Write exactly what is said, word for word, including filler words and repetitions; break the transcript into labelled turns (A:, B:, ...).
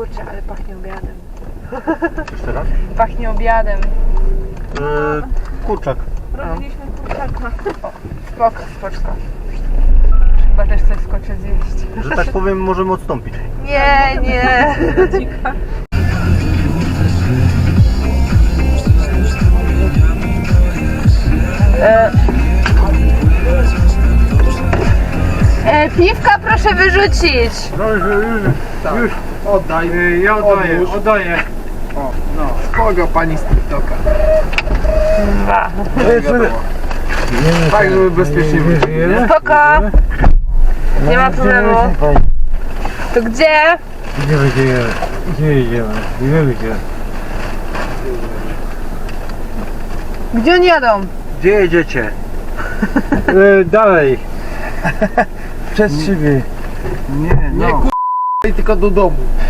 A: Kurczę, ale pachnie obiadem.
B: Jeszcze raz?
A: Pachnie obiadem.
B: Yy, kurczak.
A: Robiliśmy kurczaka. O, spoko, spoczko. Chyba też coś skoczę zjeść.
B: Że tak powiem, możemy odstąpić.
A: Nie, nie. E, e, piwka proszę wyrzucić.
C: Dobrze, już, tak. już oddaj. Yy, ja oddaję,
D: Odłóż.
C: oddaję. O, no.
D: Kogo pani z TikToka?
A: Dwa.
C: Tak, żeby bezpiecznie wyjść, nie?
A: Spoko. Nie ma problemu. To gdzie?
B: Gdzie będziemy? Gdzie idziemy? Gdzie idziemy?
A: Gdzie oni jadą?
B: Gdzie jedziecie?
C: Yy, dalej.
B: Przez siebie.
C: Nie,
D: Nie
C: no.
D: k***, tylko do domu.